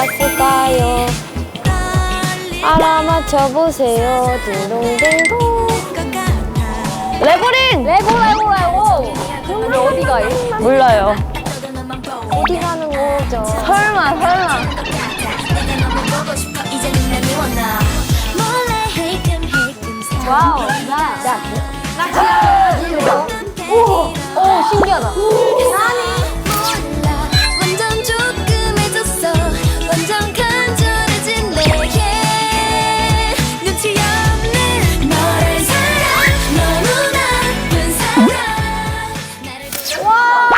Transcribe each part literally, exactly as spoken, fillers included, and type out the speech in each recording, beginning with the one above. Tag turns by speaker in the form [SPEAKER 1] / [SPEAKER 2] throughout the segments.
[SPEAKER 1] 있을까요? 알아맞혀보세요. 딩동댕동. 레고린! 레고 레고 레고! 근데 어디 가요? 몰라요. 어디 가는 거죠? 설마 설마. 와우. 나. 자. 나 지금. 오. 오 신기하다. 아니.
[SPEAKER 2] 완전 조금해졌어. 완전 간절해진 내게 눈치 없는 너를 사랑. 너무 나쁜 사랑.
[SPEAKER 1] 와.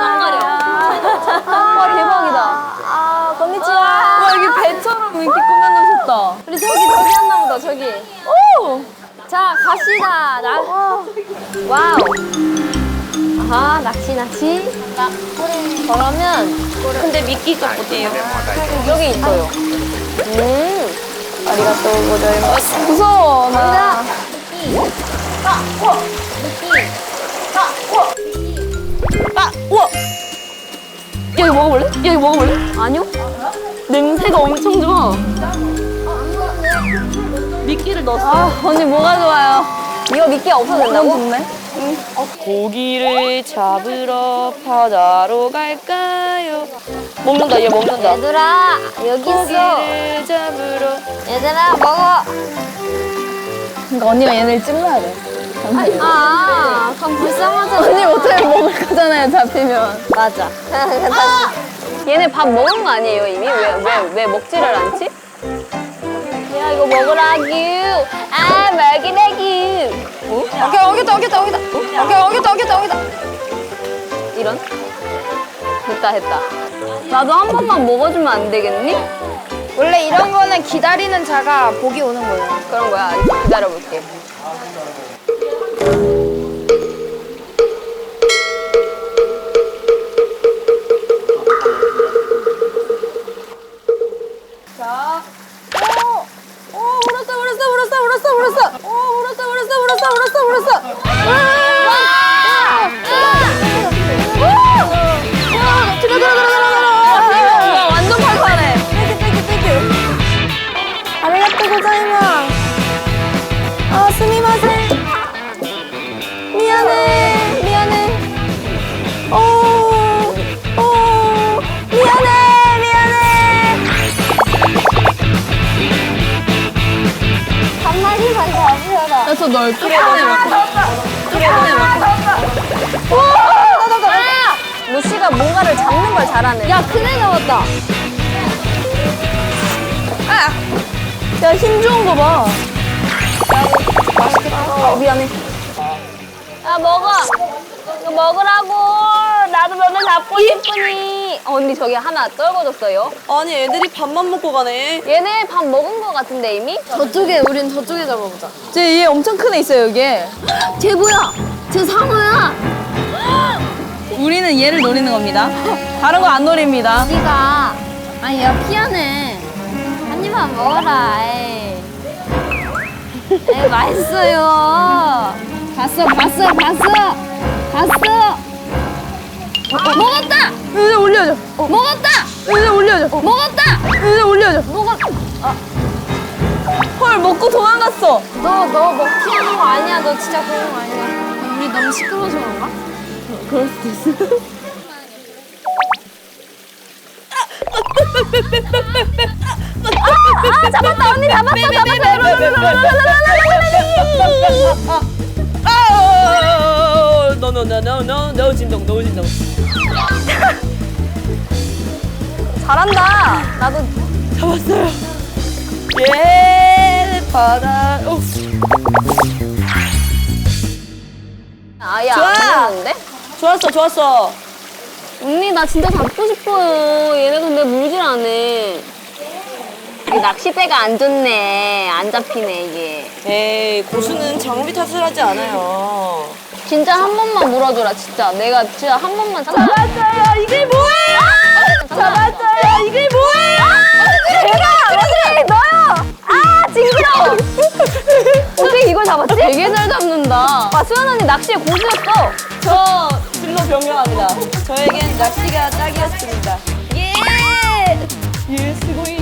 [SPEAKER 1] 와 대박이다. 아 건니치와.
[SPEAKER 3] 와 여기 배처럼 이렇게 꾸며놓으셨다.
[SPEAKER 1] 우리 저기 저기 했나 보다 저기. 오. 자 갑시다. 나. 와우. 아하 낚시 낚시. 나 그러면
[SPEAKER 3] 근데 미끼가 어디예요?
[SPEAKER 1] 여기 있어요. 음. 아리가또 고자이마스.
[SPEAKER 3] 무서워 나.
[SPEAKER 1] 자.
[SPEAKER 3] 아 우와. 야 이거 먹어볼래? 야 이거 먹어볼래?
[SPEAKER 1] 아니요?
[SPEAKER 3] 냄새가 엄청 좋아. 미끼를 넣었어.
[SPEAKER 1] 아 언니 뭐가 좋아요? 이거 미끼 없어도 된다고?
[SPEAKER 3] 좋네. 고기를 잡으러 바다로 갈까요? 먹는다 얘 먹는다.
[SPEAKER 1] 얘들아 여기 있어.
[SPEAKER 3] 고기를 잡으러.
[SPEAKER 1] 얘들아 먹어.
[SPEAKER 3] 그러니까 언니가 얘네를 찔러야 돼.
[SPEAKER 1] 아 그럼 불쌍하잖아.
[SPEAKER 3] 언니 못하면 먹을 거잖아요 잡히면.
[SPEAKER 1] 맞아. 아! 얘네 밥 먹은 거 아니에요 이미? 왜 왜 왜 먹지를 않지? 야 이거 먹으라규. 아 먹이라규. 어?
[SPEAKER 3] 오케이 오겠다 오겠다 오겠다. 오케이 오겠다 오겠다 오겠다.
[SPEAKER 1] 이런? 했다 했다. 나도 한 번만 먹어주면 안 되겠니?
[SPEAKER 4] 원래 이런 거는 기다리는 자가 복이 오는 거예요.
[SPEAKER 1] 그런 거야. 기다려볼게. 자, 오, 오, 물었어, 물었어, 물었어, 물었어, 물었어. 오, 물었어, 물었어, 물었어, 물었어, 물었어. 와, 와, 와, 들어, 들어, 들어, 들어, 들어. 와, 완전 팔팔해. 땡큐, 땡큐, 땡큐. 아리가또 고자이마스. 아, 스미마셍. 미안해, 미안해. 오, 오, 미안해, 미안해. 한 마리만 잡으라.
[SPEAKER 3] 그래서 널 풀에 넣어. 풀에 넣어.
[SPEAKER 1] 와, 나나나. 아! 루시가 뭔가를 잡는 걸 잘하네. 야, 큰애 나왔다.
[SPEAKER 3] 아! 야 힘 좋은 거 봐.
[SPEAKER 1] 맛있겠다. 어, 미안해. 야, 먹어. 이거 먹으라고. 나도 너네 잡고 싶으니. 어, 언니 저기 하나 떨궈줬어요.
[SPEAKER 3] 아니 애들이 밥만 먹고 가네.
[SPEAKER 1] 얘네 밥 먹은 거 같은데 이미? 저쪽에, 우린 저쪽에 잡아보자.
[SPEAKER 3] 쟤얘 엄청 큰 애 있어요 여기에.
[SPEAKER 1] 쟤 뭐야? 쟤 상어야.
[SPEAKER 3] 우리는 얘를 노리는 겁니다. 다른 거 안 노립니다.
[SPEAKER 1] 우리가 아니 야 피하네. 한 입만 먹어라. 에이. 에이 맛있어요. 봤어 봤어 봤어 봤어. 먹었다.
[SPEAKER 3] 이제 올려줘.
[SPEAKER 1] 먹었다.
[SPEAKER 3] 이제 올려줘.
[SPEAKER 1] 먹었다.
[SPEAKER 3] 이제 올려줘.
[SPEAKER 1] 먹었.
[SPEAKER 3] 헐 먹고 도망갔어.
[SPEAKER 1] 너 너 먹튀하는 거 아니야. 너 진짜 그런 거 아니야. 우리 너무 시끄러워서 그런가?
[SPEAKER 3] 그럴 수도 있어.
[SPEAKER 1] 아 잡았다 언니 잡았어 잡았어.
[SPEAKER 3] 아, 노노노노노 노 진동 노 진동.
[SPEAKER 1] 잘한다. 나도
[SPEAKER 3] 잡았어요. 예 바다. 오.
[SPEAKER 1] 아예
[SPEAKER 3] 좋아.
[SPEAKER 1] 안 먹는데?
[SPEAKER 3] 좋았어 좋았어.
[SPEAKER 1] 언니 나 진짜 잡고 싶어요. 얘네 근데 물질 않네. 이 낚싯대가 안 좋네. 안 잡히네 이게.
[SPEAKER 3] 에이 고수는 장비 탓을 하지 않아요.
[SPEAKER 1] 진짜 한 번만 물어줘라 진짜. 내가 진짜 한 번만
[SPEAKER 3] 잡았어요. 이게 뭐예요? 잡았어요. 이게 뭐예요?
[SPEAKER 1] 내가 언니 너요. 아 징그러워. 어떻게 이걸 잡았지? 되게 잘 잡는다. 아 수연 언니 낚시에 고수였어.
[SPEAKER 3] 저 진로 변경합니다. 저에겐 낚시가 딱이었습니다. 예! 예, 수고이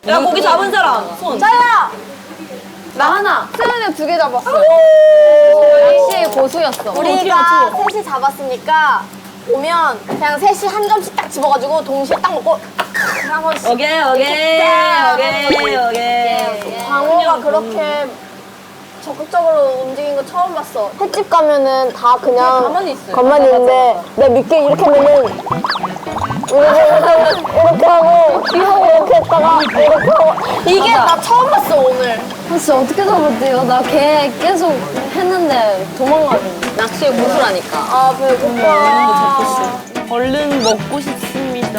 [SPEAKER 3] 야, 고기 잡은 사람 손.
[SPEAKER 4] 나야. 나 하나. 수현이 두 개 잡았어.
[SPEAKER 1] 역시 고수였어.
[SPEAKER 4] 우리가 셋이 잡았으니까 오면 그냥 셋이 한 점씩 딱 집어가지고 동시에 딱 먹고 한 번씩.
[SPEAKER 3] 오케이, 오케이, 오케이, 오케이.
[SPEAKER 4] 광호가 그렇게 적극적으로 움직인 거 처음 봤어. 횟집 가면은 다 그냥
[SPEAKER 1] 가만히 있어요.
[SPEAKER 4] 겉만 있는데 내 밑에 이렇게 하면은 이렇게, 이렇게, 이렇게 하고 이렇게 했다가 이렇게 하고 이게 나 처음 봤어 오늘.
[SPEAKER 1] 진짜 어떻게 잡았대요? 나 걔 계속 했는데 도망가는. 낚시의 고수라니까.
[SPEAKER 4] 아 배고파.
[SPEAKER 3] 얼른 먹고 싶습니다.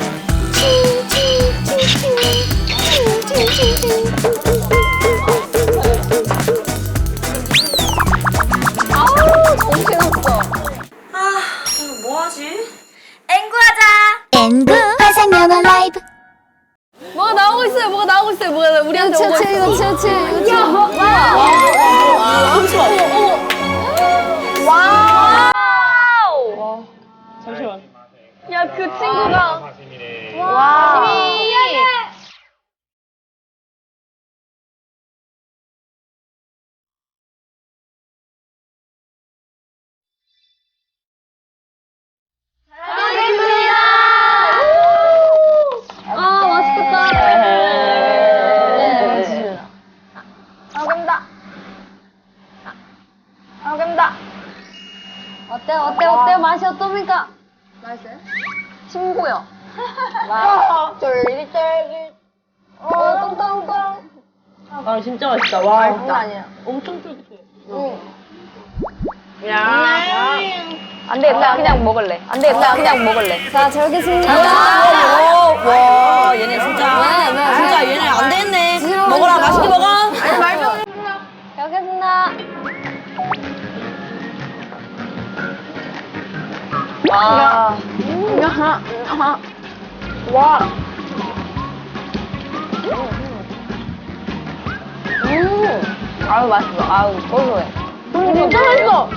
[SPEAKER 1] 아우 정신없어.
[SPEAKER 3] 아, 오늘 뭐 하지?
[SPEAKER 2] 앵구 화상영어 라이브
[SPEAKER 1] 뭐가 나오고 있어요. 뭐가 나오고 있어요. 뭐가 우리한테 오고 있어.
[SPEAKER 4] 이거 치우치 이거 치우치.
[SPEAKER 3] 잠시만.
[SPEAKER 1] 와우.
[SPEAKER 3] 잠시만.
[SPEAKER 1] 야 그 친구가.
[SPEAKER 4] 와.
[SPEAKER 1] 아 맛있겠다. 네.
[SPEAKER 4] 아금다. 아금다.
[SPEAKER 1] 어때 어때 어때 맛이 어떻습니까?
[SPEAKER 4] 맛있어요?
[SPEAKER 1] 친구요.
[SPEAKER 4] 와. 쫄깃쫄깃. 어, 똥똥똥.
[SPEAKER 3] 아, 진짜 맛있다. 와.
[SPEAKER 4] 장난 아니야.
[SPEAKER 3] 엄청 쫄깃해.
[SPEAKER 4] 응.
[SPEAKER 3] 야.
[SPEAKER 1] 안 되겠다. 그냥 먹을래. 안 되겠다. 그냥 먹을래.
[SPEAKER 4] 자, 잘 먹겠습니다.
[SPEAKER 3] 와, 와, 얘네 진짜.
[SPEAKER 1] 왜, 왜, 왜?
[SPEAKER 3] 진짜 얘네 안 되겠네. 먹어라, 맛있게 먹어.
[SPEAKER 4] 아니, 말 좀.
[SPEAKER 1] 잘 먹겠습니다.
[SPEAKER 3] 와.
[SPEAKER 4] 와.
[SPEAKER 1] 음. 아유 맛있어. 아유 고소해.
[SPEAKER 4] 진짜 맛있어.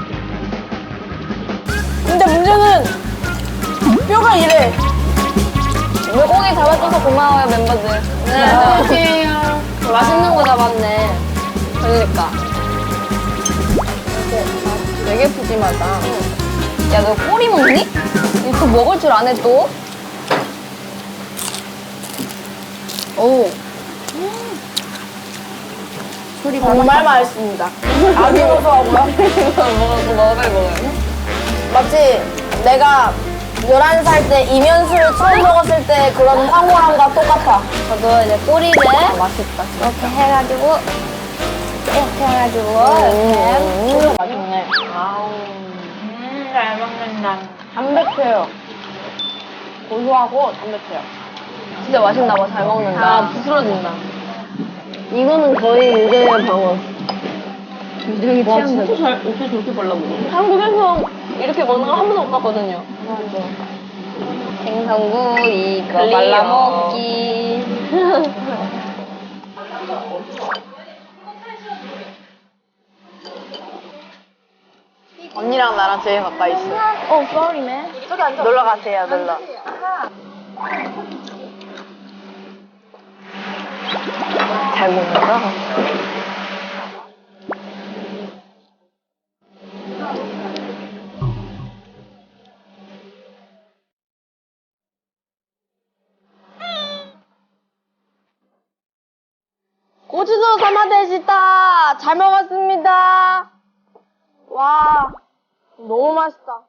[SPEAKER 4] 근데 문제는 뼈가 이래.
[SPEAKER 1] 물고기 잡아줘서 고마워요 멤버들.
[SPEAKER 4] 네.
[SPEAKER 1] 맛있는 거 잡았네. 그러니까. 되게 푸짐하다. 야 너 꼬리 먹니? 이거 먹을 줄 아네 또? 오.
[SPEAKER 4] 정말 맛있습니다. 아주 고소하고요.
[SPEAKER 1] 먹어 먹어요 먹어요.
[SPEAKER 4] 마치 내가 열한 살 때 이면수를 처음 먹었을 때 그런 황홀함과 똑같아.
[SPEAKER 1] 저도 이제 꼬리를 맛있다. 이렇게 해가지고 이렇게 해가지고 이렇게
[SPEAKER 3] 맛있네. 아우. 음, 잘 먹는다.
[SPEAKER 1] 담백해요. 고소하고 담백해요. 진짜 맛있나 봐. 잘 먹는다. 아 부스러진다. 이거는 거의 유정의 방어. 유정이
[SPEAKER 3] 와,
[SPEAKER 1] 취향
[SPEAKER 3] 진짜 잘, 어떻게 저렇게 발라먹어?
[SPEAKER 1] 한국에서 이렇게 먹는 거 한 번도 못 봤거든요. 맞아. 생선구 이거
[SPEAKER 3] 클리어.
[SPEAKER 1] 말라먹기.
[SPEAKER 3] 언니랑 나랑 제일 가까이 있어.
[SPEAKER 1] 어, sorry man.
[SPEAKER 4] 저기 앉아.
[SPEAKER 3] 놀러 가세요, 놀러.
[SPEAKER 1] 잘 먹는다.
[SPEAKER 4] 고추도 사마데시다. 잘 먹었습니다. 와, 너무 맛있다.